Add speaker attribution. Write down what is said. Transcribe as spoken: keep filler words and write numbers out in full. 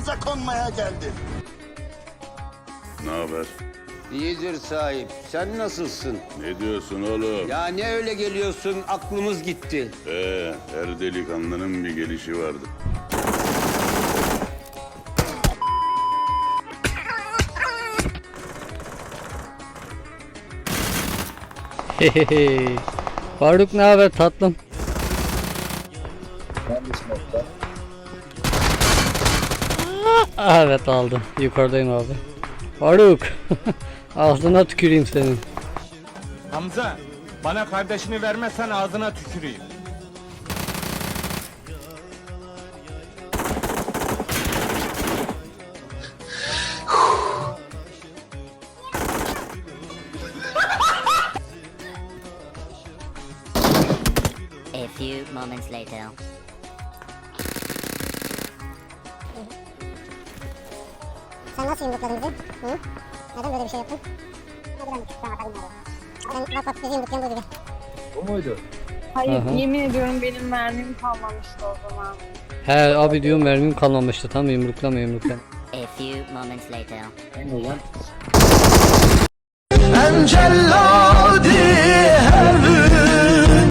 Speaker 1: başımıza konmaya geldi.
Speaker 2: Ne haber?
Speaker 3: İyidir sahip. Sen nasılsın?
Speaker 2: Ne diyorsun oğlum?
Speaker 3: Ya ne öyle geliyorsun? Aklımız gitti.
Speaker 2: Ee, her delikanlının bir gelişi vardı.
Speaker 4: Hehehe. Faruk ne haber tatlım? Ah, evet aldım. Yukarıdayım abi. Faruk. Ağzına tüküreyim senin.
Speaker 5: Hamza, bana kardeşini vermezsen ağzına tüküreyim.
Speaker 6: A few moments later.
Speaker 7: Sen nasıl yumrukladın bizi? Hı? Neden böyle bir şey yaptın? Hadi ben ben atalım oraya. Sen bak bak bizi yumruklayan bu gibi.
Speaker 8: O muydu?
Speaker 9: Hayır,
Speaker 4: Aha.
Speaker 9: yemin ediyorum benim mermim kalmamıştı o zaman.
Speaker 4: He abi diyorum mermim kalmamıştı. Tamam yumruklama yumruklama.
Speaker 6: A few moments later.
Speaker 8: Ne lan?
Speaker 1: Angelo!